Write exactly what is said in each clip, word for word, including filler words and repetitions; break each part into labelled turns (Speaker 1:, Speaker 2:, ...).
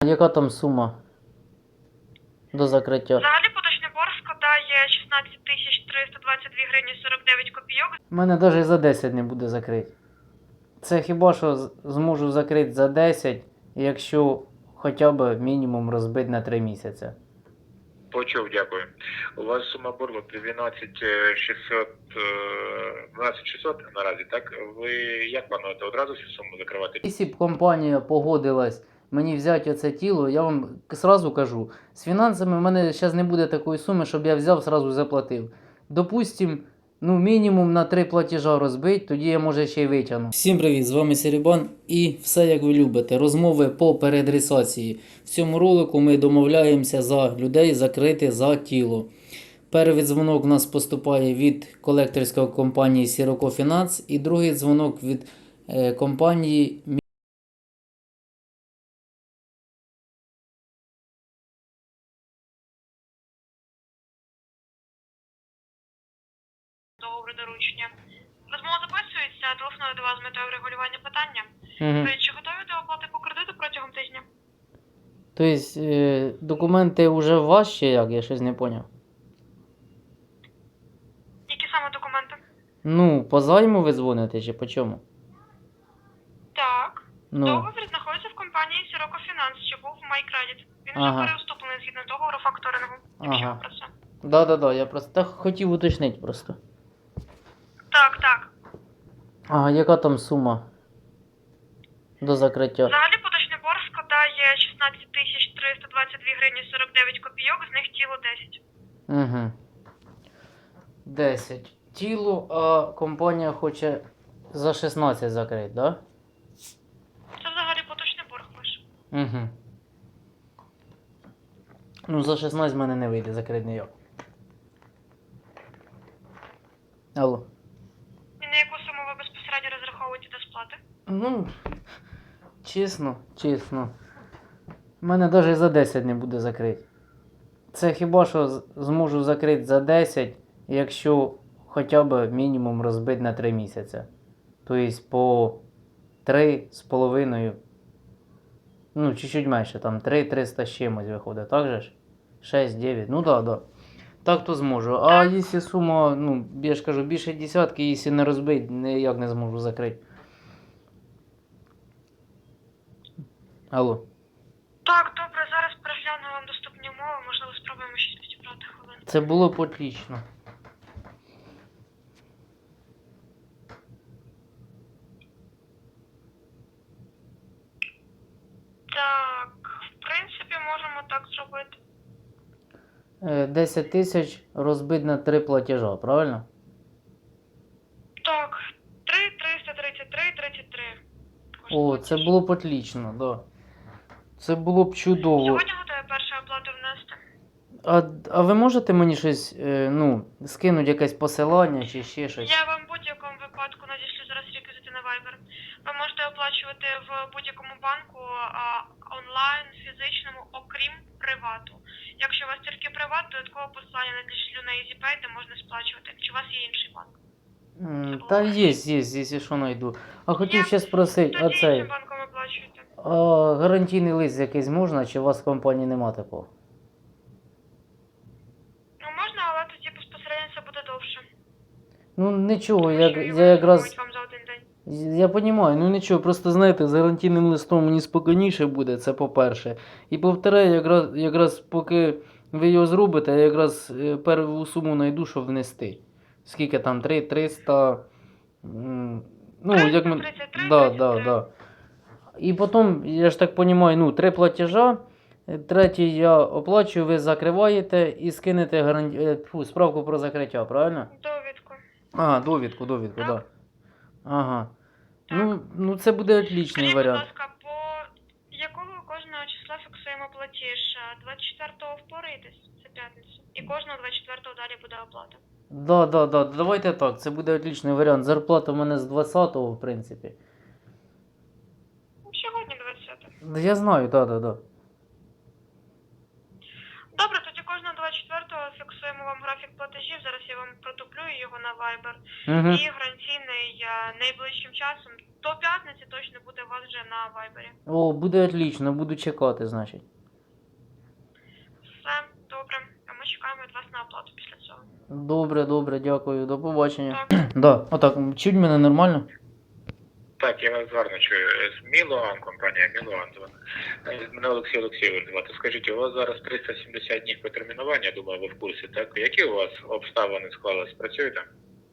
Speaker 1: яка там сума до закриття?
Speaker 2: Взагалі поточний борг складає шістнадцять тисяч триста двадцять дві гривні сорок дев'ять копійок.
Speaker 1: У мене навіть за десять не буде закрити. Це хіба що з- зможу закрити за десять, якщо хоча б мінімум розбити на три місяці.
Speaker 3: Почув, дякую. У вас сума боргу дванадцять шістсот, дванадцять шістсот наразі, так? Ви як плануєте одразу всю суму закривати?
Speaker 1: Якщо б компанія погодилась мені взяти оце тіло, я вам сразу кажу, з фінансами в мене зараз не буде такої суми, щоб я взяв, сразу заплатив. Допустим, ну мінімум на три платежа розбить, тоді я може ще й витягну. Всім привіт, з вами Серебан і все як ви любите. Розмови по переадресації. В цьому ролику ми домовляємося за людей закрити за тіло. Перший дзвонок у нас поступає від колекторської компанії Sirocco Finance і другий дзвонок від е, компанії
Speaker 2: Договору доручення. Розмова записується, телефоную до вас з метою врегулювання питання.
Speaker 1: Угу.
Speaker 2: Ви чи готові до оплати по кредиту протягом тижня?
Speaker 1: Тобто е, документи вже у вас чи як? Я щось не зрозумів.
Speaker 2: Які саме документи?
Speaker 1: Ну, по займу ви дзвоните чи по чому?
Speaker 2: Так.
Speaker 1: Ну,
Speaker 2: Договір знаходиться в компанії Sirocco Finance, що був в MyCredit. Він вже
Speaker 1: Ага.
Speaker 2: переуступлений згідно договору факторингу. Якщо
Speaker 1: Ага.
Speaker 2: ви про це.
Speaker 1: да-да-да, я просто так хотів уточнити просто.
Speaker 2: Так, так.
Speaker 1: Ага, яка там сума до закриття?
Speaker 2: Взагалі поточний борг складає шістнадцять тисяч триста двадцять дві гривні сорок дев'ять копійок, з них тіло десять.
Speaker 1: Угу. десять. Тіло, а компанія хоче за шістнадцять закрити, да?
Speaker 2: Це взагалі поточний борг ваш.
Speaker 1: Угу. Ну, за шістнадцять в мене не вийде закрити ніяк. Алло.
Speaker 2: І на яку суму ви безпосередньо розраховуєте до сплати?
Speaker 1: Ну, чесно, чесно. У мене навіть за десять не буде закрити. Це хіба що з- зможу закрити за десять, якщо хоча б мінімум розбити на три місяці. Тобто по три з половиною. Ну, чуть-чуть менше, там три триста з чимось виходить, так же ж? шість дев'ять, ну да, да. Так то зможу. А якщо сума, ну, я ж кажу, більше десятки, якщо не розбити, ніяк не зможу закрити. Алло.
Speaker 2: Так, добре, зараз перегляну вам доступні умови, можливо, спробуємо щось підібрати хвилин.
Speaker 1: Це було б отлично.
Speaker 2: Так, в принципі, можемо так зробити.
Speaker 1: Е, десять тисяч розбити на три платежа, правильно?
Speaker 2: Так, три триста тридцять три тридцять три.
Speaker 1: О, це було б отлично, да. Це було б чудово.
Speaker 2: Сьогодні готові першу оплату внести.
Speaker 1: А, а ви можете мені щось, е, ну, скинути якесь посилання чи ще щось?
Speaker 2: Я вам в будь-якому випадку надішлю зараз реквізити на Viber. Ви можете оплачувати в будь-якому банку а, онлайн, фізичному, окрім привату. Якщо у вас тільки приват, додаткове посилання надішлю на EasyPay, де можна сплачувати. Чи у вас є інший банк?
Speaker 1: М, Та є, є, якщо що знайду. А хотів ще спросити, а
Speaker 2: Тоді
Speaker 1: цей,
Speaker 2: іншим банком оплачуєте.
Speaker 1: а гарантійний лист якийсь можна, чи у вас в компанії нема такого?
Speaker 2: Ну можна, але тоді безпосередньо це буде довше.
Speaker 1: Ну нічого,
Speaker 2: Тому
Speaker 1: я,
Speaker 2: що
Speaker 1: я
Speaker 2: його
Speaker 1: якраз...
Speaker 2: формують вам за один день.
Speaker 1: Я розумію, ну нічого, просто знаєте, з гарантійним листом мені спокійніше буде, це по-перше. І по-вторе, якраз, якраз поки ви його зробите, я якраз е, перву суму знайду, щоб внести. Скільки там, три триста... м, Ну, як ми...
Speaker 2: триста тридцять три,
Speaker 1: Да,
Speaker 2: тридцять
Speaker 1: да,
Speaker 2: три.
Speaker 1: да. І потім, я ж так розумію, ну, три платежа, е, третій я оплачую, ви закриваєте і скинете гарант... е, тьфу, справку про закриття, правильно?
Speaker 2: Довідку.
Speaker 1: А, довідку, довідку, так.
Speaker 2: Так.
Speaker 1: Да. Ага.
Speaker 2: Так.
Speaker 1: Ну, ну це буде отличний
Speaker 2: Скажіть, будь
Speaker 1: варіант.
Speaker 2: ласка, по якого кожного числа фіксуємо платіж? двадцять четвертого впораєтесь? Це п'ятниця. І кожного двадцять четвертого далі буде оплата.
Speaker 1: Да, да, да. Давайте так, це буде отличний варіант. Зарплата в мене з двадцятого, в принципі.
Speaker 2: Ну, Сьогодні двадцяте.
Speaker 1: Да, я знаю, да, да, да.
Speaker 2: Добре, тоді кожного двадцять четвертого фіксуємо вам графік платежів. Зараз я вам продублюю його на Viber.
Speaker 1: Угу.
Speaker 2: І гарантійний е, найближчим часом, до п'ятниці точно буде у вас вже на вайбері.
Speaker 1: О, буде отлично, буду чекати, значить.
Speaker 2: Все, добре. А ми чекаємо від вас на оплату після цього.
Speaker 1: Добре, добре, дякую, до побачення.
Speaker 2: Так.
Speaker 1: Да, отак, чуть мене нормально?
Speaker 3: Так, я вас гарно чую. З Мілуан, компанія Мілуан звати. Е, Мене Олексій Олексійович звати. Скажіть, у вас зараз триста сімдесят днів потермінування, я думаю, ви в курсі, так? Які у вас обставини склались? Працюєте?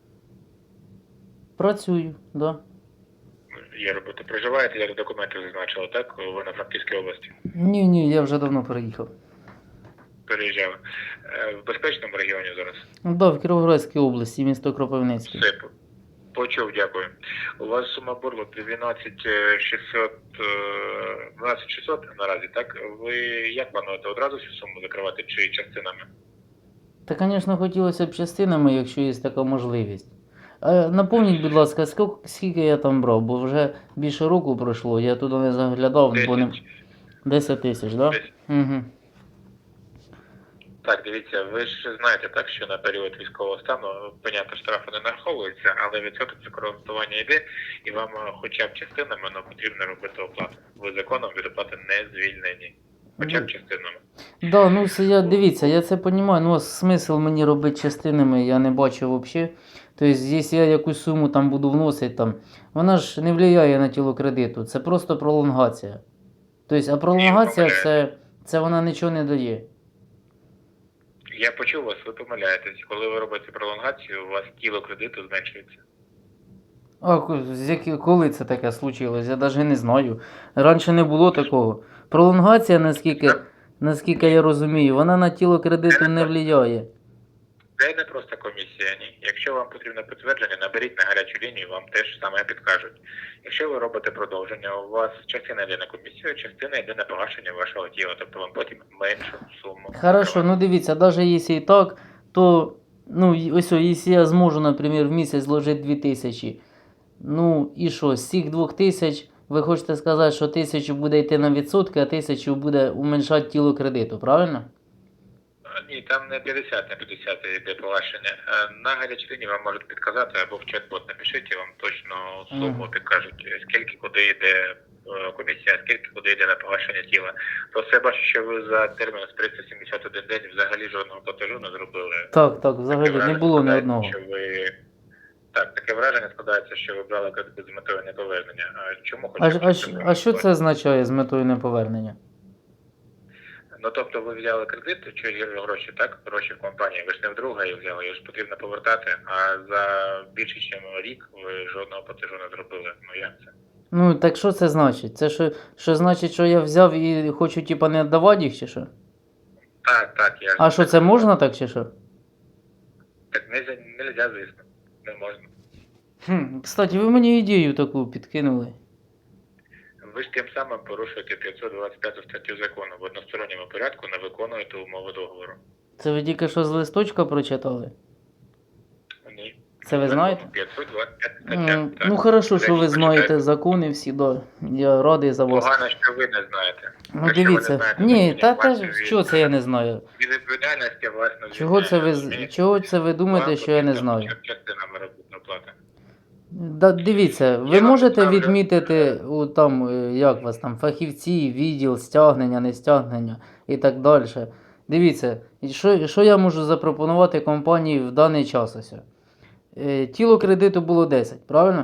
Speaker 1: Працюю, да.
Speaker 3: Є робота. Проживаєте, як документи зазначили, так? Ви на Франківській області
Speaker 1: Ні, ні, я вже давно переїхав.
Speaker 3: переїжджали. Е, В безпечному регіоні зараз?
Speaker 1: Да, в Кіровоградській області, місто Кропивницький.
Speaker 3: Все, по- почув, дякую. У вас сума боргу дванадцять шістсот, е, дванадцять шістсот наразі, так? Ви як плануєте одразу всю суму закривати чи частинами?
Speaker 1: Та, звісно, хотілося б частинами, якщо є така можливість. А напомніть, будь ласка, скільки, скільки я там брав, бо вже більше року пройшло, я туди не заглядав, бо не...
Speaker 3: десять.
Speaker 1: десять тисяч, так? Да?
Speaker 3: Десять.
Speaker 1: Угу.
Speaker 3: Так, дивіться, ви ж знаєте, так, що на період військового стану, понятно, штрафи не нараховуються, але відсоток за користування йде, і вам е, хоча б частинами ну, потрібно робити оплату. Ви законом від оплати не звільнені. Хоча б частинами.
Speaker 1: Да, ну це я дивіться, я це розумію, ну а смисл мені робити частинами, я не бачу взагалі. Тобто, якщо я якусь суму там буду вносити, там, вона ж не впливає на тіло кредиту, це просто пролонгація. Тобто, а пролонгація це, це вона нічого не дає.
Speaker 3: Я почув вас, ви помиляєтесь. Коли ви робите пролонгацію, у вас тіло кредиту зменшується.
Speaker 1: А ко- з які- коли це таке случилось? Я навіть не знаю. Раніше не було такого. Пролонгація, наскільки, наскільки я розумію, вона на тіло кредиту не впливає.
Speaker 3: Це не просто комісія, ні. Якщо вам потрібно підтвердження, наберіть на гарячу лінію, вам теж саме підкажуть. Якщо ви робите продовження, у вас частина йде на комісію, частина йде на погашення вашого тіла, тобто вам потім меншу суму.
Speaker 1: Хорошо, ну дивіться, навіть якщо і так, то, ну, і- ось, о, якщо я зможу, наприклад, в місяць зложити дві тисячі, ну, і що, з цих двох тисяч, ви хочете сказати, що тисячу буде йти на відсотки, а тисячу буде уменьшати тіло кредиту, правильно?
Speaker 3: Ні, там не п'ятдесят на п'ятдесят йде погашення. Е, На гарячій лінії вам можуть підказати або в чат-бот напишіть, і вам точно суму
Speaker 1: Мгм.
Speaker 3: підкажуть, скільки куди йде е, комісія, скільки куди йде на погашення тіла. Просто я бачу, що ви за термін з триста сімдесят один день взагалі жодного платежу не зробили.
Speaker 1: Так, так, взагалі
Speaker 3: Таке
Speaker 1: не
Speaker 3: враження
Speaker 1: було ні
Speaker 3: складається,
Speaker 1: одного.
Speaker 3: Що ви... Так, таке враження складається, що ви брали кредит з метою неповернення. А чому
Speaker 1: А,
Speaker 3: хочете?
Speaker 1: а, щ- а що це означає з метою неповернення?
Speaker 3: Ну, тобто ви взяли кредит, чи гроші, так? Гроші в компанії, ви ж не вдруге їх взяли, їх ж потрібно повертати, а за більше, ніж рік ви жодного платежу не зробили. Ну як це?
Speaker 1: Ну, так що це значить? Це що, що значить, що я взяв і хочу, типа, не віддавати їх, чи що?
Speaker 3: Так, так, я ж...
Speaker 1: А що, це можна так, чи що?
Speaker 3: Так не, не можна, звісно, не можна.
Speaker 1: Хм, кстати, ви мені ідею таку підкинули.
Speaker 3: Ви ж тим самим порушуєте п'ятсот двадцять п'яту статтю закону. В односторонньому порядку не виконуєте умови договору.
Speaker 1: Це ви тільки що з листочка прочитали?
Speaker 3: Ні.
Speaker 1: Це ви знаєте?
Speaker 3: п'ятсот двадцять п'ята стаття.
Speaker 1: М,
Speaker 3: так.
Speaker 1: Ну, хорошо,
Speaker 3: Це
Speaker 1: що ви
Speaker 3: ж
Speaker 1: знаєте
Speaker 3: почитайте.
Speaker 1: закони всі, да. Я радий за вас.
Speaker 3: Погано, що ви не знаєте.
Speaker 1: Ну,
Speaker 3: Якщо ви не
Speaker 1: дивіться.
Speaker 3: знаєте
Speaker 1: Ні,
Speaker 3: законів,
Speaker 1: та, та
Speaker 3: вас
Speaker 1: ж,
Speaker 3: від-
Speaker 1: що це я не знаю?
Speaker 3: Від відповідальності вас не
Speaker 1: Чого це ви, з-
Speaker 3: звільняє.
Speaker 1: чого це ви думаєте,
Speaker 3: Вам
Speaker 1: що я не
Speaker 3: потрібно
Speaker 1: знаю?
Speaker 3: хоча б частинами робити оплати.
Speaker 1: Да, дивіться, ви
Speaker 3: Я вам
Speaker 1: можете
Speaker 3: ставлю-
Speaker 1: відмітити у там, е, як вас там, фахівці, відділ, стягнення, не стягнення і так далі. Дивіться, і що, що я можу запропонувати компанії в даний час ось? Е, Тіло кредиту було десять, правильно?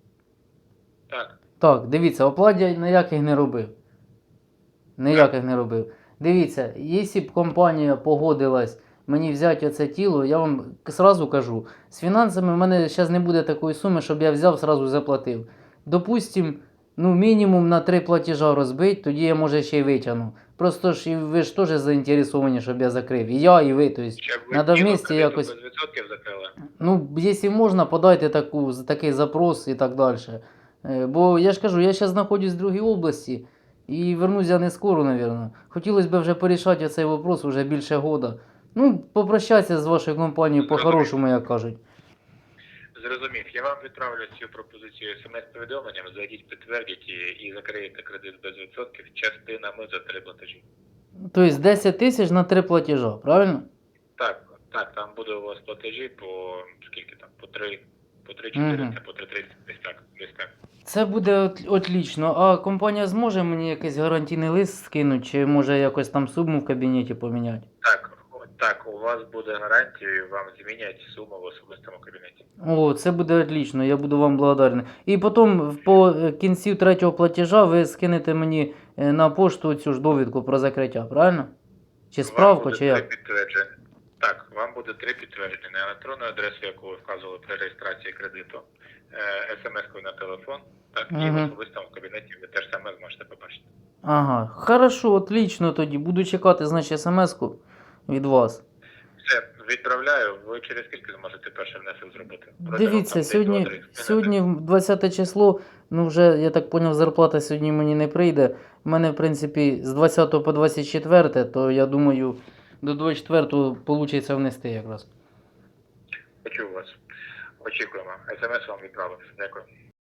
Speaker 3: Так.
Speaker 1: Так, дивіться, оплат я ніяких не робив. Ніяких не робив. Дивіться, якщо б компанія погодилась мені взяти оце тіло, я вам сразу кажу, з фінансами в мене зараз не буде такої суми, щоб я взяв, сразу заплатив. Допустим, ну мінімум на три платежа розбить, тоді я може ще й витягну. Просто ж і ви ж теж заінтересовані, щоб я закрив. І я, і ви. Тобто,
Speaker 3: Щоб ви
Speaker 1: надо
Speaker 3: тіло
Speaker 1: вместе
Speaker 3: кредиту
Speaker 1: якось-
Speaker 3: без відсотків закрили.
Speaker 1: ну, якщо можна, подайте таку, такий запрос і так далі. Е, Бо я ж кажу, я зараз знаходжусь в другій області і вернусь я не скоро, мабуть. Хотілося б вже порішати цей вопрос вже більше года. Ну, попрощатися з вашою компанією по-хорошому, як кажуть.
Speaker 3: Зрозумів. Я вам відправлю цю пропозицію смс-повідомленням, зайдіть, підтвердіть і, і закриєте кредит без відсотків частинами за три платежі.
Speaker 1: Тобто десять тисяч на три платежа, правильно?
Speaker 3: Так, так, там буде у вас платежі по скільки там, по три, По три чотириста, по три триста, десь так, десь так.
Speaker 1: Це буде от, отлично. А компанія зможе мені якийсь гарантійний лист скинути, чи може якось там суму в кабінеті поміняти?
Speaker 3: Так, о, так, у вас буде гарантія, і вам змінять суму в особистому кабінеті.
Speaker 1: О, це буде отлично, я буду вам благодарний. І потім по е, кінці третього платежа ви скинете мені е, на пошту цю ж довідку про закриття, правильно? Чи
Speaker 3: Вам
Speaker 1: справку,
Speaker 3: буде
Speaker 1: чи
Speaker 3: три
Speaker 1: як?
Speaker 3: підтвердження. Так, вам буде три підтвердження на електронну адресу, яку ви вказували при реєстрації кредиту, е, смс-кою на телефон, так, і в
Speaker 1: Мгм.
Speaker 3: особистому кабінеті ви теж саме зможете побачити.
Speaker 1: Ага, хорошо, отлично тоді. Буду чекати, значить, смс-ку від вас.
Speaker 3: Все, відправляю, ви через скільки зможете перший внесок зробити? Протягом,
Speaker 1: Дивіться,
Speaker 3: там,
Speaker 1: сьогодні,
Speaker 3: десь два-три
Speaker 1: сьогодні двадцяте число, ну вже, я так зрозумів, зарплата сьогодні мені не прийде. У мене, в принципі, з двадцятого по двадцять четверте, то я думаю, до двадцять четвертого вийде внести якраз.
Speaker 3: Почув вас. Очікуємо. смс вам відправив. Дякую.